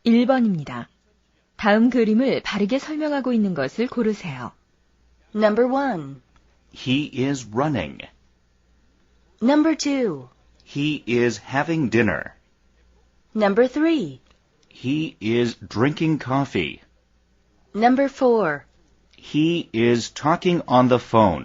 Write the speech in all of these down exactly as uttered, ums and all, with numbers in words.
일 번입니다. 다음 그림을 바르게 설명하고 있는 것을 고르세요. Number one. He is running. Number two. He is having dinner. Number three. He is drinking coffee. Number four. He is talking on the phone.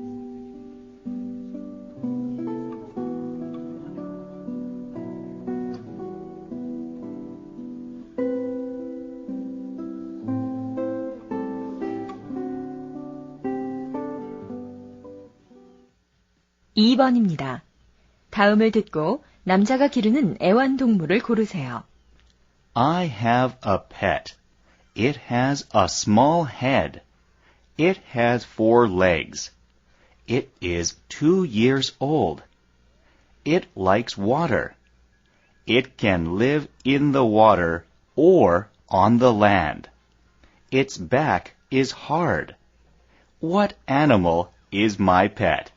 이 번입니다. 다음을 듣고 남자가 기르는 애완동물을 고르세요. I have a pet. It has a small head. It has four legs. It is two years old. It likes water. It can live in the water or on the land. Its back is hard. What animal is my pet?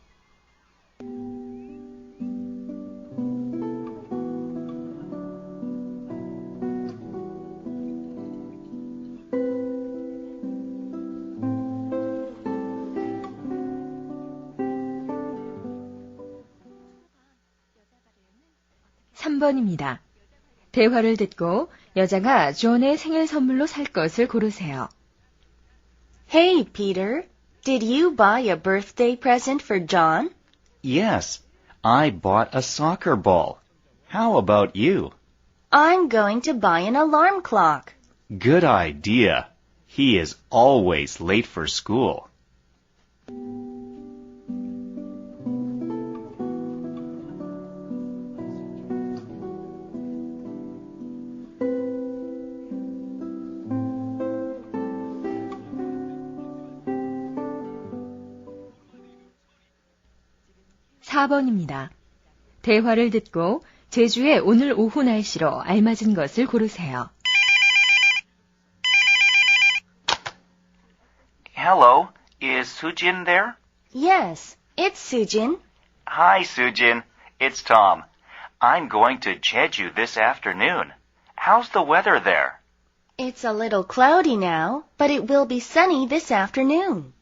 삼 번입니다. 대화를 듣고 여자가 존의 생일 선물로 살 것을 고르세요. Hey, Peter. Did you buy a birthday present for John? Yes, I bought a soccer ball. How about you? I'm going to buy an alarm clock. Good idea. He is always late for school. 사 번입니다. 대화를 듣고 제주의 오늘 오후 날씨로 알맞은 것을 고르세요. Hello, is Sujin there? Yes, it's Sujin. Hi, Sujin. It's Tom. I'm going to Jeju this afternoon. How's the weather there? It's a little cloudy now, but it will be sunny this afternoon.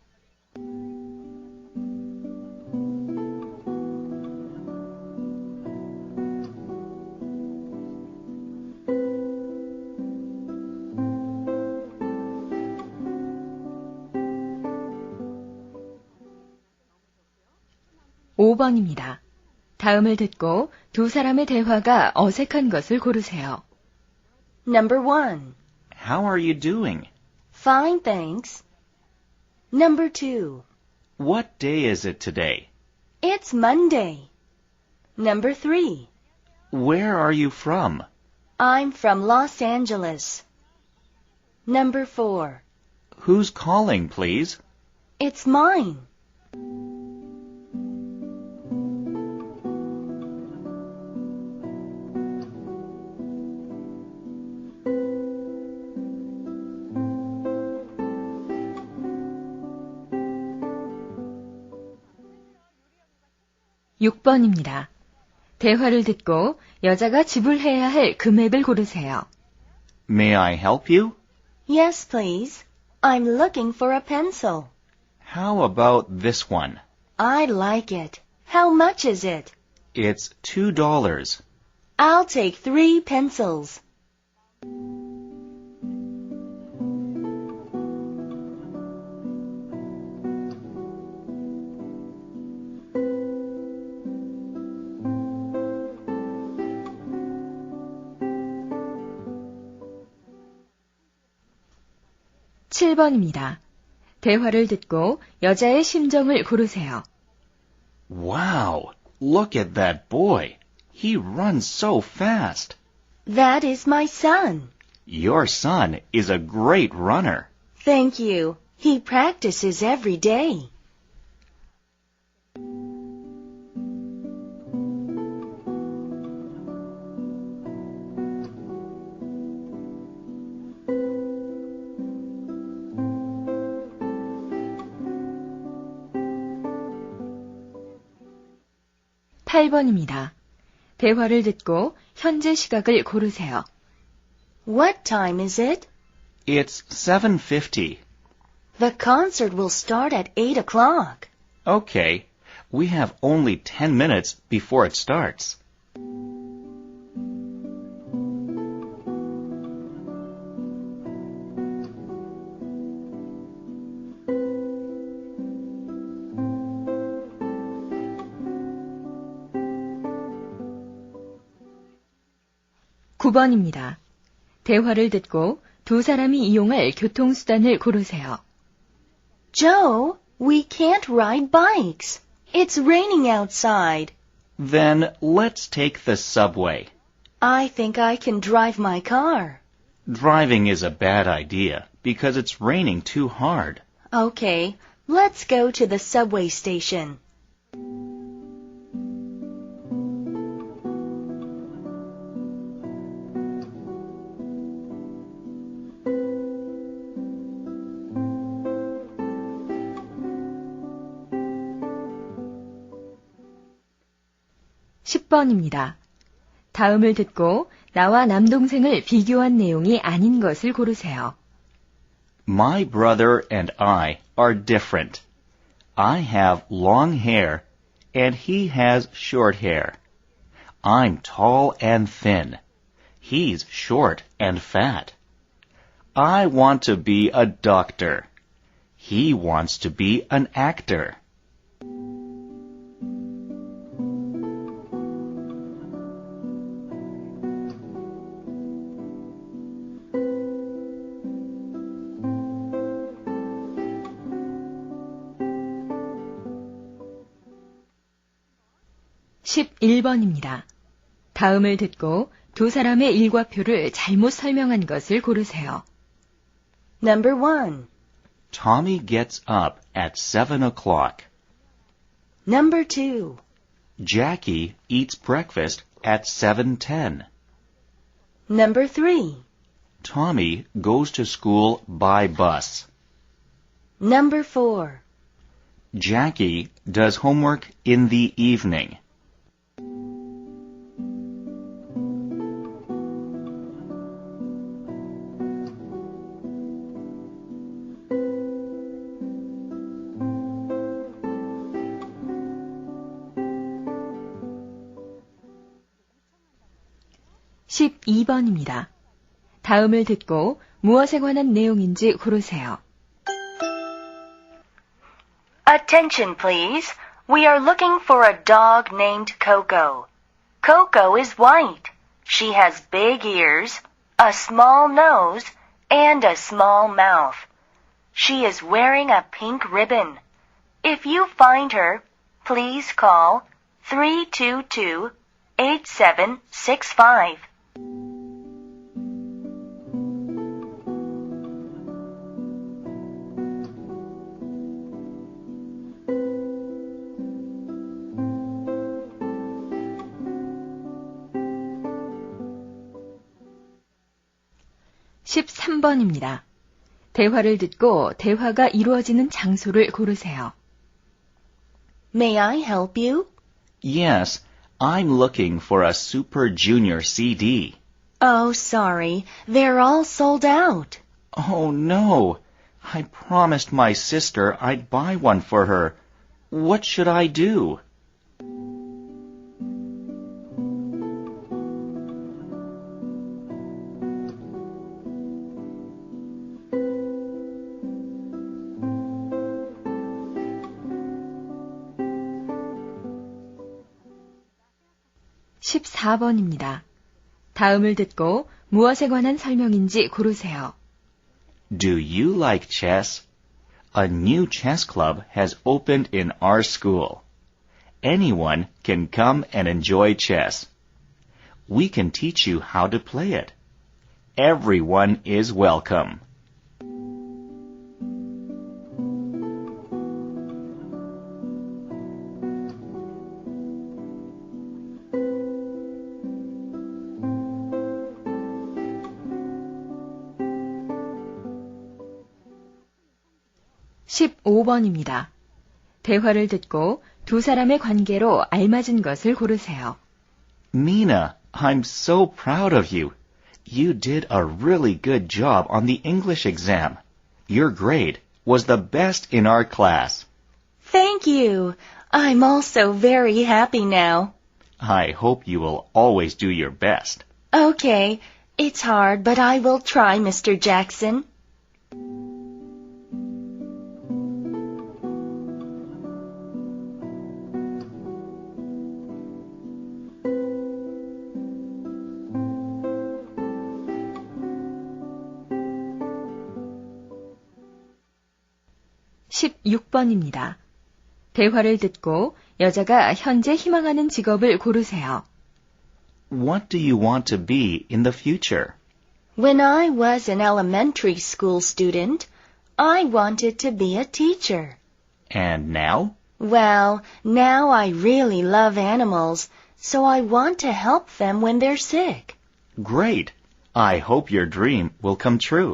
오 번입니다. 다음을 듣고 두 사람의 대화가 어색한 것을 고르세요. Number one. How are you doing? Fine, thanks. Number two. What day is it today? It's Monday. Number three. Where are you from? I'm from Los Angeles. Number four. Who's calling, please? It's mine. 육 번입니다. 대화를 듣고 여자가 지불해야 할 금액을 고르세요. May I help you? Yes, please. I'm looking for a pencil. How about this one? I like it. How much is it? It's two dollars. I'll take three pencils. 칠 번입니다. 대화를 듣고 여자의 심정을 고르세요. Wow, look at that boy. He runs so fast. That is my son. Your son is a great runner. Thank you. He practices every day. 팔 번입니다. 대화를 듣고 현재 시각을 고르세요. What time is it? It's seven fifty. The concert will start at eight o'clock. Okay, we have only ten minutes before it starts. 구 번입니다. 대화를 듣고 두 사람이 이용할 교통수단을 고르세요. Joe, we can't ride bikes. It's raining outside. Then let's take the subway. I think I can drive my car. Driving is a bad idea because it's raining too hard. Okay, let's go to the subway station. 십 번입니다. 다음을 듣고 나와 남동생을 비교한 내용이 아닌 것을 고르세요. My brother and I are different. I have long hair and he has short hair. I'm tall and thin. He's short and fat. I want to be a doctor. He wants to be an actor. 십일 번입니다. 다음을 듣고 두 사람의 일과표를 잘못 설명한 것을 고르세요. Number one. Tommy gets up at seven o'clock. Number two. Jackie eats breakfast at seven ten. Number three. Tommy goes to school by bus. Number four. Jackie does homework in the evening. 십이 번입니다. 다음을 듣고 무엇에 관한 내용인지 고르세요. Attention, please. We are looking for a dog named Coco. Coco is white. She has big ears, a small nose, and a small mouth. She is wearing a pink ribbon. If you find her, please call three two two, eight seven six five. 십삼 번입니다. 대화를 듣고 대화가 이루어지는 장소를 고르세요. May I help you? Yes, I'm looking for a Super Junior C D. Oh, sorry. They're all sold out. Oh no, I promised my sister I'd buy one for her. What should I do? 십사 번입니다. 다음을 듣고 무엇에 관한 설명인지 고르세요. Do you like chess? A new chess club has opened in our school. Anyone can come and enjoy chess. We can teach you how to play it. Everyone is welcome. 십오 번입니다. 대화를 듣고 두 사람의 관계로 알맞은 것을 고르세요. Mina, I'm so proud of you. You did a really good job on the English exam. Your grade was the best in our class. Thank you. I'm also very happy now. I hope you will always do your best. Okay, it's hard, but I will try, Mister Jackson. 십육 번입니다. 대화를 듣고 여자가 현재 희망하는 직업을 고르세요. What do you want to be in the future? When I was an elementary school student, I wanted to be a teacher. And now? Well, now I really love animals, so I want to help them when they're sick. Great. I hope your dream will come true.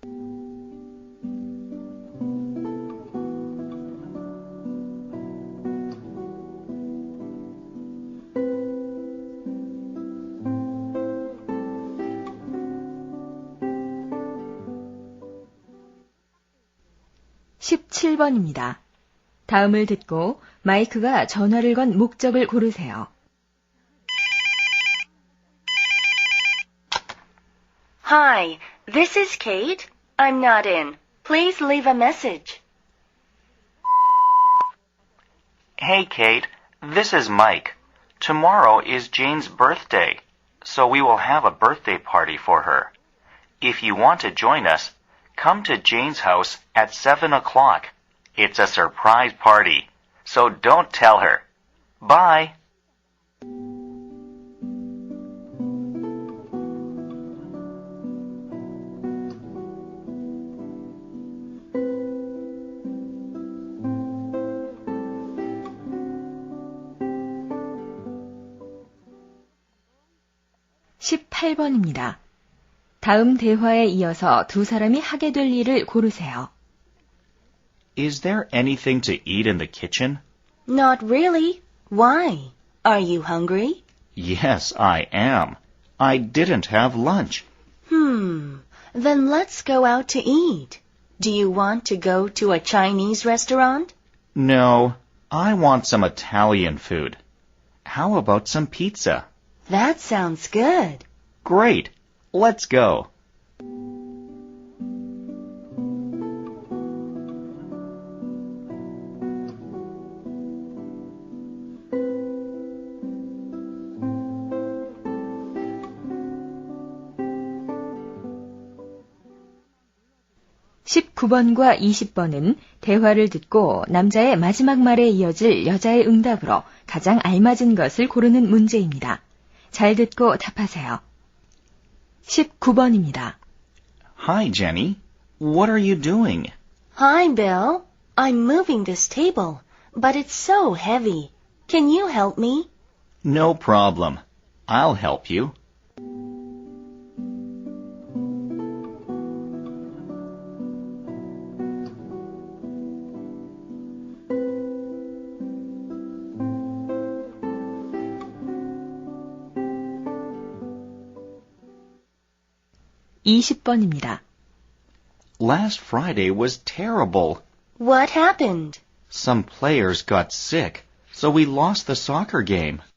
십칠 번입니다. 다음을 듣고 마이크가 전화를 건 목적을 고르세요. Hi, this is Kate. I'm not in. Please leave a message. Hey, Kate. This is Mike. Tomorrow is Jane's birthday, so we will have a birthday party for her. If you want to join us, come to Jane's house at seven o'clock. It's a surprise party, so don't tell her. Bye. 십팔 번입니다. 다음 대화에 이어서 두 사람이 하게 될 일을 고르세요. Is there anything to eat in the kitchen? Not really. Why? Are you hungry? Yes, I am. I didn't have lunch. Hmm. Then let's go out to eat. Do you want to go to a Chinese restaurant? No, I want some Italian food. How about some pizza? That sounds good. Great. Let's go. 십구 번과 이십 번은 대화를 듣고 남자의 마지막 말에 이어질 여자의 응답으로 가장 알맞은 것을 고르는 문제입니다. 잘 듣고 답하세요. 십구 번입니다. Hi, Jenny. What are you doing? Hi, Bill. I'm moving this table, but it's so heavy. Can you help me? No problem. I'll help you. 이십 번입니다. Last Friday was terrible. What happened? Some players got sick, so we lost the soccer game.